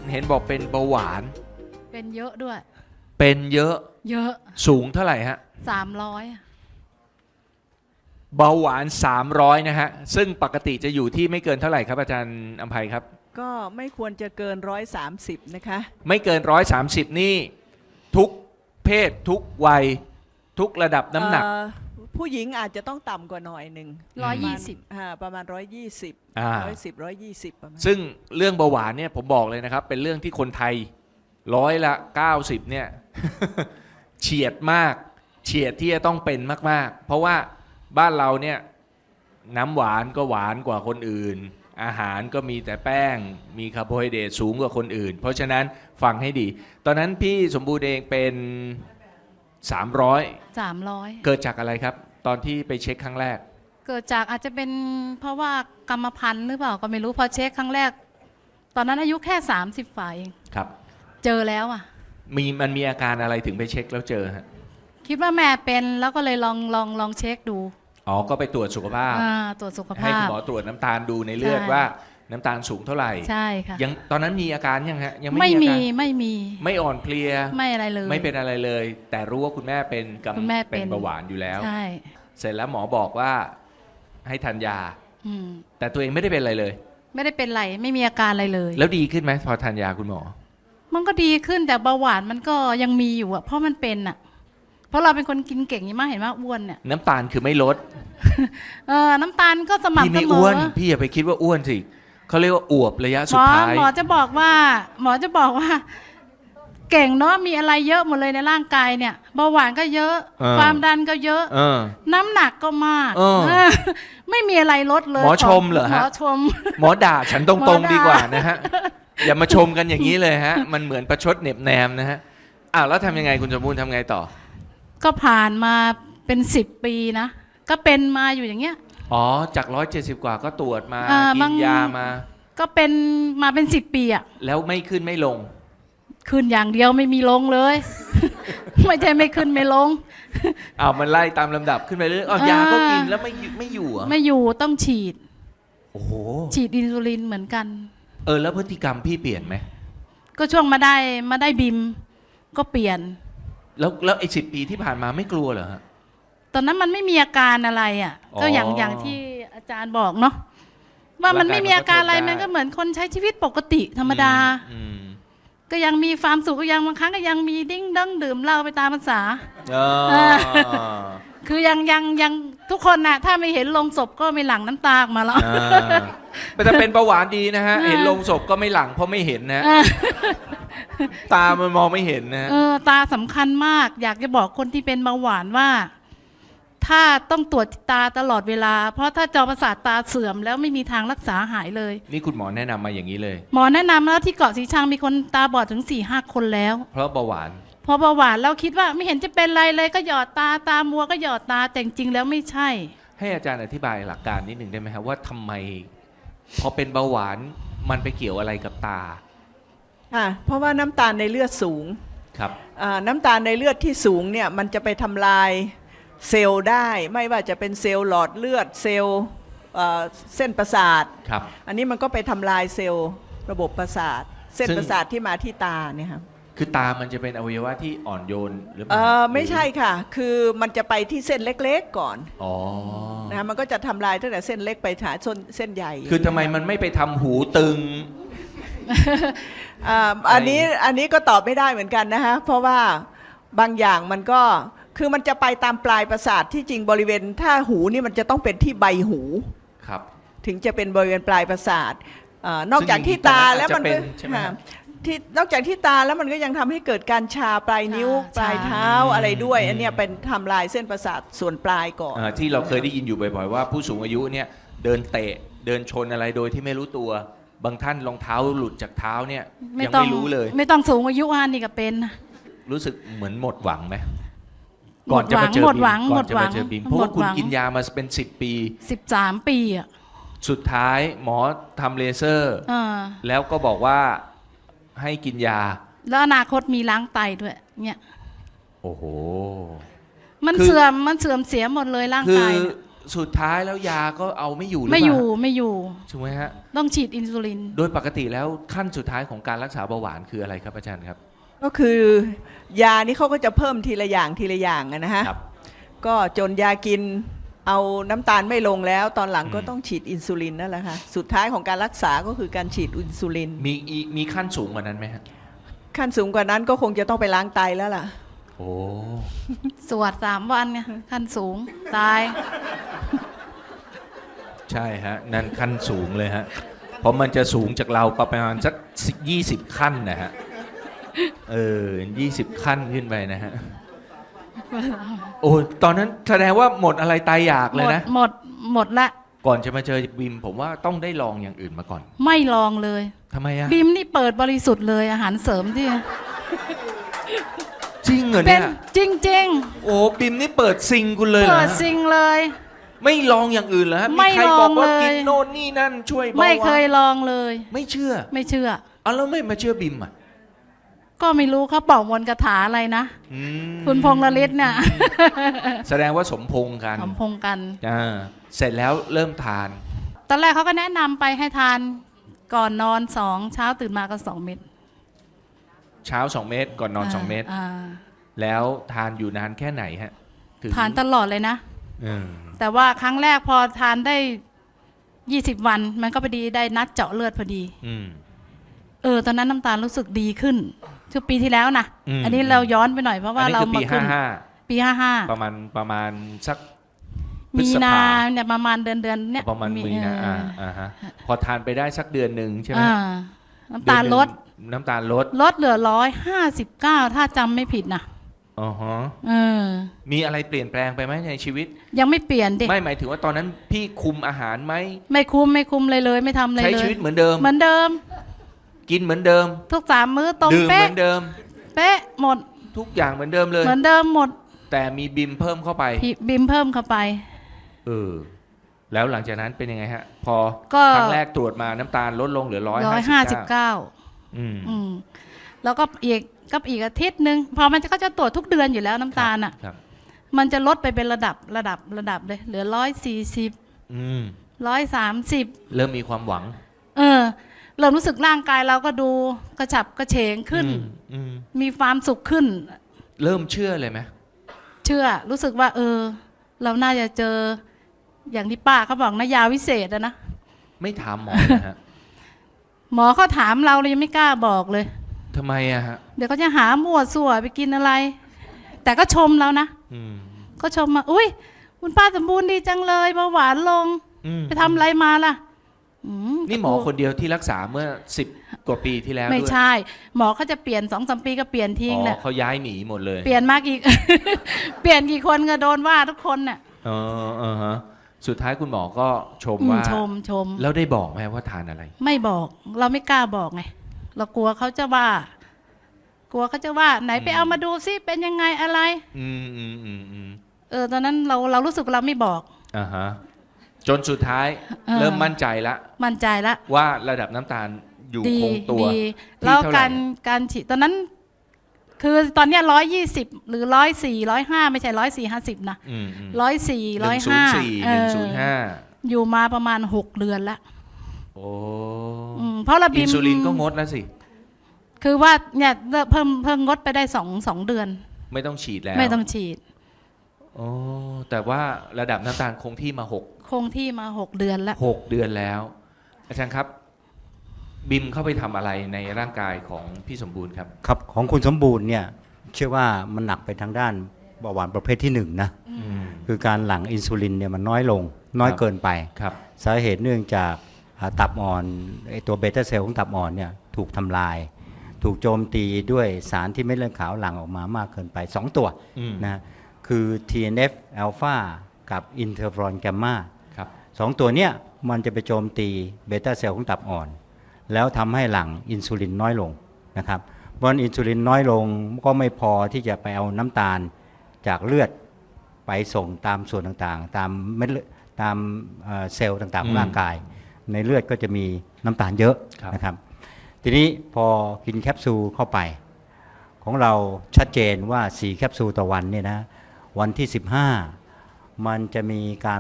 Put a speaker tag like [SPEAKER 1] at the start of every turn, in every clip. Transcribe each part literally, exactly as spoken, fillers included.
[SPEAKER 1] เห็นบอกเป็นเบาหวาน
[SPEAKER 2] เป็นเยอะด้วย
[SPEAKER 1] เป็นเยอะ
[SPEAKER 2] เยอะ
[SPEAKER 1] สูงเท่าไหร่ฮะ
[SPEAKER 2] สามร้อย
[SPEAKER 1] เบาหวานสามร้อยนะฮะซึ่งปกติจะอยู่ที่ไม่เกินเท่าไหร่ครับอาจารย์อำไพครับ
[SPEAKER 3] ก็ไม่ควรจะเกินร้อยสามสิบนะคะ
[SPEAKER 1] ไม่เกินร้อยสามสิบนี่ทุกเพศทุกวัยทุกระดับน้ำหนัก
[SPEAKER 3] เอ่อผู้หญิงอาจจะต้องต่ำกว่าหน่อยหนึ่ง
[SPEAKER 2] ร้อยยี่สิบ
[SPEAKER 3] อ่าประมาณร้อยยี่สิบ
[SPEAKER 1] อ่า
[SPEAKER 3] ร้อยสิบร้อยยี่สิบประมาณ
[SPEAKER 1] ซึ่งเรื่องเบาหวานเนี่ยผมบอกเลยนะครับ เป็นเรื่องที่คนไทยร้อยละเก้าสิบเนี่ย เฉียดมากเฉียดที่จะต้องเป็นมากๆ เพราะว่าบ้านเราเนี่ยน้ำหวานก็หวานกว่าคนอื่น อาหารก็มีแต่แป้งมีคาร์โบไฮเดรตสูงกว่าคนอื่น เพราะฉะนั้นฟังให้ดี ตอนนั้นพี่สมบูรณ์เองเป็นสามร้อย
[SPEAKER 2] สามร้อย
[SPEAKER 1] เกิดจากอะไรครับ ตอนที่ไปเช็คครั้งแรก
[SPEAKER 2] เกิดจากอาจจะเป็นเพราะว่ากรรมพันธุ์หรือเปล่าก็ไม่รู้พอเช็คครั้งแรก ตอนนั้นอายุแค่สามสิบฝ่าเอง
[SPEAKER 1] ครับ
[SPEAKER 2] เจอแล้วอ่ะ
[SPEAKER 1] มีมันมีอาการอะไรถึงไปเช็คแล้วเจอฮะ
[SPEAKER 2] คิดว่าแม่เป็นแล้วก็เลยลองลองลองเช็คดู
[SPEAKER 1] อ๋อก็ไปตรวจสุขภาพ
[SPEAKER 2] อ่าตรวจสุข
[SPEAKER 1] ให้
[SPEAKER 2] ภา
[SPEAKER 1] คุณ
[SPEAKER 2] พ
[SPEAKER 1] หมอตรวจน้ำตาลดูในเลือด
[SPEAKER 2] ใช่
[SPEAKER 1] ว่าน้ำตาลสูงเท่าไหร่
[SPEAKER 2] ใช่ค่ะ
[SPEAKER 1] ยังตอนนั้นมีอาการยังฮะยังไม่
[SPEAKER 2] ไม่
[SPEAKER 1] มีอา
[SPEAKER 2] มี
[SPEAKER 1] การ
[SPEAKER 2] ไม่มี
[SPEAKER 1] ไม่อ่อนเพลีย
[SPEAKER 2] ไม่อะไรเลย
[SPEAKER 1] ไม่เป็นอะไรเลย แต่รู้ว่าคุณแม่เป็นกำ
[SPEAKER 2] คุณแม่เป็น
[SPEAKER 1] เป็นเบาหวานอยู่แล้ว
[SPEAKER 2] ใช่
[SPEAKER 1] เสร็จแล้วหมอบอกว่าให้ทานยา
[SPEAKER 2] อืม
[SPEAKER 1] แต่ตัวเองไม่ได้เป็นอะไรเลย
[SPEAKER 2] ไม่ได้เป็นไรไม่มีอาการอะไรเลย
[SPEAKER 1] แล้วดีขึ้นไหมพอทานยาคุณหมอ
[SPEAKER 2] มันก็ดีขึ้นแต่เบาหวานมันก็ยังมีอยู่อะเพราะมันเป็นอะเพราะเราเป็นคนกินเก่งอย่างมากเห็นว่าอ้วนเนี่ย
[SPEAKER 1] น้ำตาลคือไม่ลด
[SPEAKER 2] เออน้ำตาลก็ส
[SPEAKER 1] พี่
[SPEAKER 2] ม่ำเส
[SPEAKER 1] ไม่
[SPEAKER 2] ม
[SPEAKER 1] อ้ว
[SPEAKER 2] อน
[SPEAKER 1] พี่อย่าไปคิดว่าอ้วนสิเขาเรียกว่าอวบระยะ
[SPEAKER 2] ห
[SPEAKER 1] สุ
[SPEAKER 2] ม
[SPEAKER 1] ด
[SPEAKER 2] อ
[SPEAKER 1] ท้าย
[SPEAKER 2] หมอจะบอกว่า หมอจะบอกว่า เก่งเนาะมีอะไรเยอะหมดเลยในร่างกายเนี่ยเบาหวานก็เยอะ
[SPEAKER 1] เออ
[SPEAKER 2] ความดันก็เยอะ
[SPEAKER 1] เออ
[SPEAKER 2] น้ำหนักก็มาก
[SPEAKER 1] เออ
[SPEAKER 2] เออไม่มีอะไรลดเลย
[SPEAKER 1] หมอชมเหรอฮะ
[SPEAKER 2] หมอชม
[SPEAKER 1] หมอด่าฉันต
[SPEAKER 2] หม
[SPEAKER 1] ร
[SPEAKER 2] อง ด่า
[SPEAKER 1] ๆดีกว่านะฮะ อย่ามาชมกันอย่างนี้เลยฮะ มันเหมือนประชดเหน็บแนมนะฮะอ้าวแล้วทำยังไงคุณสมบูรณ์ทำไงต่อ
[SPEAKER 2] ก็ผ่านมาเป็นสิบปีนะก็เป็นมาอยู่อย่างเงี้ย
[SPEAKER 1] อ๋อจากร้อยเจ็ดสิบกว่าก็ตรวจมา
[SPEAKER 2] อ่า
[SPEAKER 1] กิ
[SPEAKER 2] บาน ง
[SPEAKER 1] ยามา
[SPEAKER 2] ก็เป็นมาเป็นสิบปีอะ
[SPEAKER 1] แล้วไม่ขึ้นไม่ลง
[SPEAKER 2] ขึ้นอย่างเดียวไม่มีลงเลย ไม่ใช่ไม่ขึ้นไม่ลง
[SPEAKER 1] อ้าวมันไล่ตามลำดับขึ้นไปเรื่อยอ๋อ
[SPEAKER 2] อ่าย
[SPEAKER 1] ยาก็กินแล้วไม่อยู่ไม่อยู่เหรอ
[SPEAKER 2] ไม่อยู่ต้องฉีด
[SPEAKER 1] โอ้โห
[SPEAKER 2] ฉีดอินซูลินเหมือนกัน
[SPEAKER 1] เออแล้วพฤติกรรมพี่เปลี่ยนไหม
[SPEAKER 2] ก็ช่วงมาได้มาได้บิมก็เปลี่ยน
[SPEAKER 1] แล้วแล้วไอ้สิบปีที่ผ่านมาไม่กลัวเหรอฮะ
[SPEAKER 2] ตอนนั้นมันไม่มีอาการอะไรอ่ะ
[SPEAKER 1] อ๋อ
[SPEAKER 2] ก็อย่างอย่างที่อาจารย์บอกเนาะว่ามันไม่มีอาการอะไร
[SPEAKER 1] ร่างกายมันก็ทนได้
[SPEAKER 2] มันก็เหมือนคนใช้ชีวิตปกติธรรมดา
[SPEAKER 1] อืม
[SPEAKER 2] ก็ยังมีความสุขก็ยังบางครั้งก็ยังมีดิ้งดั้งดื่มเหล้าไปตามภาษา
[SPEAKER 1] อ๋อ
[SPEAKER 2] คือยังยังยังทุกคนน่ะถ้าไม่เห็นลงศพก็ไม่หลั่งน้ำตาออกมาแล้ว
[SPEAKER 1] อ่าแต่ถ้าเป็นเบาหวานดีนะฮะ
[SPEAKER 2] อ่า
[SPEAKER 1] เห็นลงศพก็ไม่หลังเพราะไม่เห็นนะ
[SPEAKER 2] เออ
[SPEAKER 1] ตามันมองไม่เห็นนะ
[SPEAKER 2] เออตาสำคัญมาก อยากจะบอกคนที่เป็นเบาหวานว่า ถ้าต้องตรวจตาตลอดเวลา เพราะถ้าจอประสาทตาเสื่อมแล้วไม่มีทางรักษาหายเลย
[SPEAKER 1] นี่คุณหมอแนะนำมาอย่างนี้เลย
[SPEAKER 2] หมอแนะนำแล้วที่เกาะสีชังมีคนตาบอดถึงสี่ห้าคนแล้ว
[SPEAKER 1] เพราะเบาหวาน
[SPEAKER 2] พอเบาหวานเราคิดว่าไม่เห็นจะเป็นไรเลยก็หยอดตาตามัวก็หยอดตาแต่จริงๆแล้วไม่ใช่
[SPEAKER 1] ให้อาจารย์อธิบายหลักการนิดหนึ่งได้ไหมครับว่าทำไม พอเป็นเบาหวานมันไปเกี่ยวอะไรกับตา
[SPEAKER 3] อ่าเพราะว่าน้ำตาลในเลือดสูง
[SPEAKER 1] ครับ
[SPEAKER 3] อ่าน้ำตาลในเลือดที่สูงเนี่ยมันจะไปทำลายเซลล์ได้ ไม่ว่าจะเป็นเซลล์หลอดเลือดเซลล์เอ่อเส้นประสาท
[SPEAKER 1] ครับ
[SPEAKER 3] อันนี้มันก็ไปทำลายเซลล์ระบบประสาท เส้น
[SPEAKER 1] ซึ่ง
[SPEAKER 3] ประสาทที่มาที่ตาเนี่ยครับ
[SPEAKER 1] คือตามันจะเป็นอวัยวะที่อ่อนโยนหรือเป
[SPEAKER 3] เอ
[SPEAKER 1] ล่า
[SPEAKER 3] อไม่ใช่ค่ะ คือมันจะไปที่เส้นเล็กๆก่อน
[SPEAKER 1] อ๋อ
[SPEAKER 3] นะฮะมันก็จะทำลายตั้งแต่เส้นเล็กไปหาเส้นเส้นใหญ่
[SPEAKER 1] คือทำไมมันไม่ไปทำหูตึง
[SPEAKER 3] อ่าอันนี้อันนี้ก็ตอบไม่ได้เหมือนกันนะฮะเพราะว่าบางอย่างมันก็คือมันจะไปตามปลายประสาทที่จริงบริเวณถ้าหูนี่มันจะต้องเป็นที่ใบหู
[SPEAKER 1] ครับ
[SPEAKER 3] ถึงจะเป็นบริเวณปลายประสาทเอ่อนอกจากที่ตาแล้วมันก็
[SPEAKER 1] ซึ่งจริงๆตอนนั้นอาจจะเป็นใช่ไหมฮะ
[SPEAKER 3] ค่ะที่นอกจากที่ตาแล้วมันก็ยังทำให้เกิดการชาปลายนิ้ว
[SPEAKER 2] ชา
[SPEAKER 3] ปลายเท้า
[SPEAKER 1] ชา
[SPEAKER 3] อะไรด้วย
[SPEAKER 1] อืม
[SPEAKER 3] อันเนี้ยเป็นทำลายเส้นประสาทส่วนปลายก่อน
[SPEAKER 1] อ่าที่เราเคยได้ยินอยู่บ่อยๆว่าผู้สูงอายุเนี่ยเดินเตะเดินชนอะไรโดยที่ไม่รู้ตัว บางท่านรองเท้าหลุดจากเท้าเนี่ยยัง
[SPEAKER 2] ต้อง
[SPEAKER 1] ไม่รู้เลย
[SPEAKER 2] ไม่ต้องสูงอายุอันนี่ก็เป็นนะ
[SPEAKER 1] รู้สึกเหมือนหมดหวังไหม
[SPEAKER 2] หมดหวังหมดหวัง
[SPEAKER 1] ก่
[SPEAKER 2] หม
[SPEAKER 1] อน
[SPEAKER 2] ด
[SPEAKER 1] จะ
[SPEAKER 2] หวั
[SPEAKER 1] มาง เจอบีมเพราะว่าคุณ
[SPEAKER 2] หมดหวัง
[SPEAKER 1] กินยามาเป็นสิบปี
[SPEAKER 2] สิบสามปีอ่ะ
[SPEAKER 1] สุดท้ายหมอทำเลเซอร์
[SPEAKER 2] เออ
[SPEAKER 1] แล้วก็บอกว่าให้กินยา
[SPEAKER 2] แล้วอนาคตมีล้างไตด้วย เนี่ย
[SPEAKER 1] โอ้โห
[SPEAKER 2] มัน
[SPEAKER 1] คือ
[SPEAKER 2] เสื่อมมันเสื่อมเสียหมดเลยร่าง
[SPEAKER 1] คื
[SPEAKER 2] กา
[SPEAKER 1] อย
[SPEAKER 2] เนี่ย
[SPEAKER 1] สุดท้ายแล้วยาก็เอาไม่อยู่หรือเป
[SPEAKER 2] ไม่
[SPEAKER 1] ล่า
[SPEAKER 2] อยู่ไม่อยู่
[SPEAKER 1] ถูกไหมฮะ
[SPEAKER 2] ต้องฉีดอินซูลิน
[SPEAKER 1] โดยปกติแล้วขั้นสุดท้ายของการรักษาเบาหวานคืออะไรครับอาจารย์ครับ
[SPEAKER 3] ก็คือยานี่เขาก็จะเพิ่มทีละอย่างทีละอย่างอะนะฮะ
[SPEAKER 1] ครับ
[SPEAKER 3] ก็จนยากินเอาน้ำตาลไม่ลงแล้ว ตอนหลังก็
[SPEAKER 1] อืม
[SPEAKER 3] ต้องฉีดอินซูลินนั่นแหละค่ะสุดท้ายของการรักษาก็คือการฉีดอินซูลิน
[SPEAKER 1] มีอีมีขั้นสูงกว่านั้นไหมฮะ
[SPEAKER 3] ขั้นสูงกว่านั้นก็คงจะต้องไปล้างไตแล้วล่ะ
[SPEAKER 1] โอ้
[SPEAKER 2] สวดสามวันไงขั้นสูง ตาย
[SPEAKER 1] ใช่ฮะ นั่นขั้นสูงเลยฮะ เพราะมันจะสูงจากเราประมาณสักยี่สิบขั้นนะฮะ เออยี่สิบขั้นขึ้นไปนะฮะ โอ้ตอนนั้นแสดงว่าหมดอะไรตายอยาก
[SPEAKER 2] ห
[SPEAKER 1] เล
[SPEAKER 2] ม
[SPEAKER 1] ย
[SPEAKER 2] ด
[SPEAKER 1] นะ
[SPEAKER 2] หมดหมดละ
[SPEAKER 1] ก่อนจะมาเจอบิมผมว่าต้องได้ลองอย่างอื่นมาก่อน
[SPEAKER 2] ไม่ลองเลย
[SPEAKER 1] ทำไมอะ
[SPEAKER 2] บิมนี่เปิดบริสุทธิ์เลยอาหารเสริมที่
[SPEAKER 1] จริงเหรอ
[SPEAKER 2] เป็
[SPEAKER 1] เนี่
[SPEAKER 2] น
[SPEAKER 1] ย
[SPEAKER 2] จริง
[SPEAKER 1] โอ้บิมนี่เปิดซิงคุณเลย
[SPEAKER 2] ๆ
[SPEAKER 1] เหรอ
[SPEAKER 2] เปิด
[SPEAKER 1] ฮะ
[SPEAKER 2] ซิงเลย
[SPEAKER 1] ไม่ลองอย่างอื่นเหรอฮะ
[SPEAKER 2] ไม่
[SPEAKER 1] มีใครบอกว่า
[SPEAKER 2] ลองเลย
[SPEAKER 1] กินโน่นนี่นั่นช่วยเบาหวาน
[SPEAKER 2] ไม่เคยลองเลย
[SPEAKER 1] ไม่เชื่อ
[SPEAKER 2] ไม่เชื่อ
[SPEAKER 1] เอาแล้วไม่มาเชื่อบิมอ่ะ
[SPEAKER 2] ก็ไม่รู้เขาเป่ามนต์คาถาอะไรนะ
[SPEAKER 1] อืม
[SPEAKER 2] คุณพงษ์ละฤทธิ์เนี่ย
[SPEAKER 1] แสดงว่าสมพงษ์กัน
[SPEAKER 2] สมพงษ์กัน
[SPEAKER 1] อ่าเสร็จแล้วเริ่มทาน
[SPEAKER 2] ตอนแรกเขาก็แนะนำไปให้ทานก่อนนอนสองเช้าตื่นมาก็สองเม็ด
[SPEAKER 1] เช้าสองเม็ดก่อนนอนสองเม็ด
[SPEAKER 2] า
[SPEAKER 1] แล้วทานอยู่นานแค่ไหนฮะถึง
[SPEAKER 2] ทานตลอดเลยนะ
[SPEAKER 1] อืม
[SPEAKER 2] แต่ว่าครั้งแรกพอทานได้ยี่สิบวัน มันก็พอดีได้นัดเจาะเลือดพอดี
[SPEAKER 1] อืม
[SPEAKER 2] เออ ตอนนั้นน้ำตาลรู้สึกดีขึ้นช่วงปีที่แล้วนะ
[SPEAKER 1] อืม
[SPEAKER 2] อันนี้เราย้อนไปหน่อยเพราะว่า
[SPEAKER 1] อันนี้
[SPEAKER 2] เรา
[SPEAKER 1] คือ
[SPEAKER 2] มา
[SPEAKER 1] ปี
[SPEAKER 2] ขึ้
[SPEAKER 1] ห้าน ห้า
[SPEAKER 2] ปีห้าห้า
[SPEAKER 1] ประมาณประมาณสัก พฤ
[SPEAKER 2] มี
[SPEAKER 1] ษภา
[SPEAKER 2] นาเนี่ยประมาณเดือนเดือนเนี่ย
[SPEAKER 1] ประมาณมีนะ
[SPEAKER 2] เอ
[SPEAKER 1] อ่า
[SPEAKER 2] อ
[SPEAKER 1] อ่าฮะพอทานไปได้สักเดือนหนึ่งใช่ไหม
[SPEAKER 2] อ่าน้ำตาลลด
[SPEAKER 1] เอนหนึ่งน้ำตาลลด
[SPEAKER 2] ลดเหลือร้อยห้าสิบเก้าถ้าจำไม่ผิดนะ
[SPEAKER 1] อ๋อฮะ
[SPEAKER 2] เออ
[SPEAKER 1] มีอะไรเปลี่ยนแปลงไปไหมในชีวิต
[SPEAKER 2] ยังไม่เปลี่ยนดิ
[SPEAKER 1] ไม่หมายถึงว่าตอนนั้นพี่คุมอาหารไหม
[SPEAKER 2] ไม่คุ้มไม่คุ้มเลยเลย ไม่ทำอะไร
[SPEAKER 1] ใช้
[SPEAKER 2] เลย
[SPEAKER 1] ชีวิตเหมือนเดิม
[SPEAKER 2] เหมือนเดิม
[SPEAKER 1] กินเหมือนเดิม
[SPEAKER 2] ทุกสามมื้อตรง
[SPEAKER 1] ดื่มเห
[SPEAKER 2] เป๊ะ
[SPEAKER 1] มือนเดิม
[SPEAKER 2] เป๊ะหมด
[SPEAKER 1] ทุกอย่างเหมือนเดิมเลย
[SPEAKER 2] เหมือนเดิมหมด
[SPEAKER 1] แต่มีบิมเพิ่มเข้าไป
[SPEAKER 2] พี่บิมเพิ่มเข้าไป
[SPEAKER 1] เออ แล้วหลังจากนั้นเป็นยังไงฮะ พอ
[SPEAKER 2] ก็
[SPEAKER 1] ครั้งแรกตรวจมาน้ำตาลลดลงเหลือร้อย
[SPEAKER 2] ร้อย
[SPEAKER 1] ห้า
[SPEAKER 2] ห้า
[SPEAKER 1] สิ
[SPEAKER 2] สิ
[SPEAKER 1] บบ เก้า
[SPEAKER 2] เก้า
[SPEAKER 1] อืม
[SPEAKER 2] อืมแล้วก็อีกก็อีกอาทิตย์หนึ่งพอมันจะก็จะตรวจทุกเดือนอยู่แล้วน้ำตาลอ่ะ
[SPEAKER 1] ครับ
[SPEAKER 2] มันจะลดไปเป็นระดับระดับระดับเลย เหลือร้อยสี่สิบ
[SPEAKER 1] อืม
[SPEAKER 2] ร้อยสามสิบ
[SPEAKER 1] เริ่มมีความหวัง
[SPEAKER 2] เออเริ่มรู้สึกร่างกายเราก็ดูกระฉับกระเฉงขึ้น
[SPEAKER 1] อืมอืม
[SPEAKER 2] มีความสุขขึ้น
[SPEAKER 1] เริ่มเชื่อเลยไหม
[SPEAKER 2] เชื่อรู้สึกว่า เออ เราน่าจะเจอ อย่างที่ป้าเขาบอกนะยาวิเศษอะนะ
[SPEAKER 1] ไม่ถามหมอเลยฮะ
[SPEAKER 2] หมอเขาถามเราเรายังไม่กล้าบอกเลย
[SPEAKER 1] ทำไมอะฮะ
[SPEAKER 2] เดี๋ยวเขาจะหามั่วสั่วไปกินอะไร แต่ก็ชมเรานะ
[SPEAKER 1] อืม
[SPEAKER 2] ก็ชมมาอุ้ยคุณป้าสมบูรณ์ดีจังเลยเบาหวานลง
[SPEAKER 1] อืม
[SPEAKER 2] ไปทำอะไรมาล่ะอื
[SPEAKER 1] นี่หมอคนเดียวที่รักษาเมื่อสิบกว่าปีที่แล้ว
[SPEAKER 2] ไม่
[SPEAKER 1] ด้วย
[SPEAKER 2] ใช่ หมอเขาจะเปลี่ยนสองสามปีก็เปลี่ยนทิ้ง
[SPEAKER 1] อ๋
[SPEAKER 2] แหละ
[SPEAKER 1] อเขาย้ายหนีหมดเลย
[SPEAKER 2] เปลี่ยนมากอีก เปลี่ยนกี่คนก็โดนว่าทุกคนน่ะ
[SPEAKER 1] อ๋อเออฮะสุดท้ายคุณหมอก็ชม
[SPEAKER 2] อืม
[SPEAKER 1] ว่า
[SPEAKER 2] ชมชม
[SPEAKER 1] แล้วได้บอกไหมว่าทานอะไร
[SPEAKER 2] ไม่บอก เราไม่กล้าบอกไงเรากลัวเขาจะว่า กลัวเขาจะว่า ไหนไป
[SPEAKER 1] อืม
[SPEAKER 2] เอามาดูซิเป็นยังไงอะไร
[SPEAKER 1] อืมอืมอืมอืม
[SPEAKER 2] เออตอนนั้นเราเรารู้สึกเราไม่บอก
[SPEAKER 1] อ่าฮะจนสุดท้าย
[SPEAKER 2] เออ
[SPEAKER 1] เริ่มมั่นใจละ
[SPEAKER 2] มั่นใจละ
[SPEAKER 1] ว่าระดับน้ำตาลอยู่
[SPEAKER 2] ดี
[SPEAKER 1] คงตัว
[SPEAKER 2] ดี
[SPEAKER 1] ที่
[SPEAKER 2] แล้ว
[SPEAKER 1] เท่าไหร่
[SPEAKER 2] การการฉีดตอนนั้น คือตอนเนี้ยร้อยยี่สิบหรือร้อยสี่ร้อยห้าไม่ใช่ร้อยสี่ห้าสิบนะ
[SPEAKER 1] อืมอืม
[SPEAKER 2] ร้อยสี่
[SPEAKER 1] ห
[SPEAKER 2] ร้อ
[SPEAKER 1] นึ่
[SPEAKER 2] ย
[SPEAKER 1] งศูน
[SPEAKER 2] ห้า
[SPEAKER 1] ย์สี่หนึ่งศูนย์ห้า
[SPEAKER 2] อยู่มาประมาณหกเดือนละ
[SPEAKER 1] โอ้
[SPEAKER 2] อืมเพราะระ
[SPEAKER 1] อิ
[SPEAKER 2] บิ
[SPEAKER 1] น
[SPEAKER 2] ม
[SPEAKER 1] ซูลินก็งดแล้วสิ
[SPEAKER 2] คือว่าเนี่ยเพิ่มเพิ่มงดไปได้สองสองเดือน
[SPEAKER 1] ไม่ต้องฉีดแล้ว
[SPEAKER 2] ไม่ต้องฉีด
[SPEAKER 1] โอ้แต่ว่าระดับน้ำตาลคงที่มาหก
[SPEAKER 2] คงที่มาหกเดือนละ
[SPEAKER 1] หกเดือนแล้ว อาจารย์ครับ บิมเข้าไปทำอะไรในร่างกายของพี่สมบูรณ์ครับ
[SPEAKER 4] ครับของคุณสมบูรณ์เนี่ยเชื่อว่ามันหนักไปทางด้านเบาหวานประเภทที่หนึ่งนะ
[SPEAKER 1] อืม
[SPEAKER 4] คือการหลั่งอินซูลินเนี่ยมันน้อยลง น้อย
[SPEAKER 1] ครับ
[SPEAKER 4] เกินไป
[SPEAKER 1] ครับ
[SPEAKER 4] สาเหตุเนื่องจากอ่าตับอ่อนไอตัวเบต้าเซลล์ของตับอ่อนเนี่ยถูกทำลาย ถูกโจมตีด้วยสารที่เม็ดเลือดขาวหลั่งออกมามากเกินไป สอง ตัว
[SPEAKER 1] อืม
[SPEAKER 4] นะคือ ที เอ็น เอฟ อลฟา กับอินเทอร์ฟรอนแกมมา
[SPEAKER 1] ครับ
[SPEAKER 4] สองตัวเนี้ยมันจะไปโจมตีเบต้าเซลล์ของตับอ่อน แล้วทำให้หลั่งอินซูลินน้อยลงนะครับเพราะฉะนั้นอินซูลินน้อยลงก็ไม่พอที่จะไปเอาน้ำตาลจากเลือดไปส่งตามส่วนต่างๆ ตามเม็ดเลือดตามเอ่อเซลล์ต่างๆขอ
[SPEAKER 1] อื
[SPEAKER 4] ง
[SPEAKER 1] ม
[SPEAKER 4] ร่างกาย ในเลือดก็จะมีน้ำตาลเยอะ
[SPEAKER 1] ครับ
[SPEAKER 4] นะครับทีนี้พอกินแคปซูลเข้าไป ของเราชัดเจนว่าสี่แคปซูลต่อวันเนี่ยนะวันที่สิบห้ามันจะมีการลด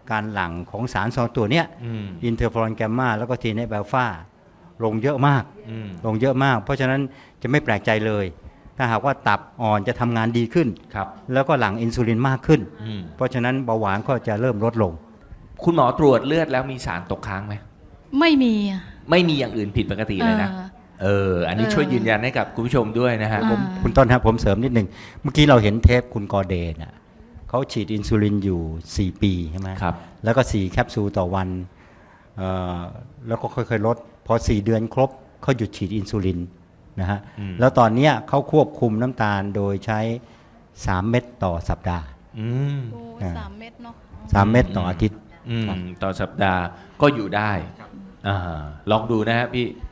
[SPEAKER 4] การหลั่งของสารสองตัวเนี้ย
[SPEAKER 1] อืม
[SPEAKER 4] อินเทอร์ฟลอนแกมมาแล้วก็ทีเนฟอัลฟาลงเยอะมาก
[SPEAKER 1] อืม
[SPEAKER 4] ลงเยอะมาก เพราะฉะนั้นจะไม่แปลกใจเลย ถ้าหากว่าตับอ่อนจะทำงานดีขึ้น
[SPEAKER 1] ครับ
[SPEAKER 4] แล้วก็หลั่งอินซูลินมากขึ้น
[SPEAKER 1] อืม
[SPEAKER 4] เพราะฉะนั้นเบาหวานก็จะเริ่มลดลง
[SPEAKER 1] คุณหมอตรวจเลือดแล้วมีสารตกค้างไหม
[SPEAKER 2] ไม่มีอะ
[SPEAKER 1] ไม่มีอย่างอื่นผิดปกติเลยนะ
[SPEAKER 2] ออ
[SPEAKER 1] เออ อันนี้
[SPEAKER 2] เออ
[SPEAKER 1] ช่วยยืนยันให้กับคุณผู้ชมด้วยนะฮะ
[SPEAKER 2] อ่า
[SPEAKER 1] ผม
[SPEAKER 4] คุณต้นครับผมเสริมนิดหนึ่งเมื่อกี้เราเห็นเทปคุณกอเดนอ่ะเขาฉีดอินซูลินอยู่สี่ปีใช่ไหม
[SPEAKER 1] ครับ
[SPEAKER 4] แล้วก็สี่แคปซูลต่อวันเอ่อแล้วก็ค่อยๆลด พอสี่เดือนครบเขาหยุดฉีดอินซูลินนะฮะ
[SPEAKER 1] อืม
[SPEAKER 4] แล้วตอนเนี้ยเขาควบคุมน้ำตาลโดยใช้สามเม็ดต่อสัปดาห์
[SPEAKER 1] อืม
[SPEAKER 2] โอ้ย
[SPEAKER 4] อ่า
[SPEAKER 2] สามเม็ดเนาะ
[SPEAKER 4] สามเม็ดต่ออาทิตย์
[SPEAKER 1] อืม
[SPEAKER 4] ครับ
[SPEAKER 1] ต่อสัปดาห์ก็อยู่ได้อ่าลองดูนะฮะพี่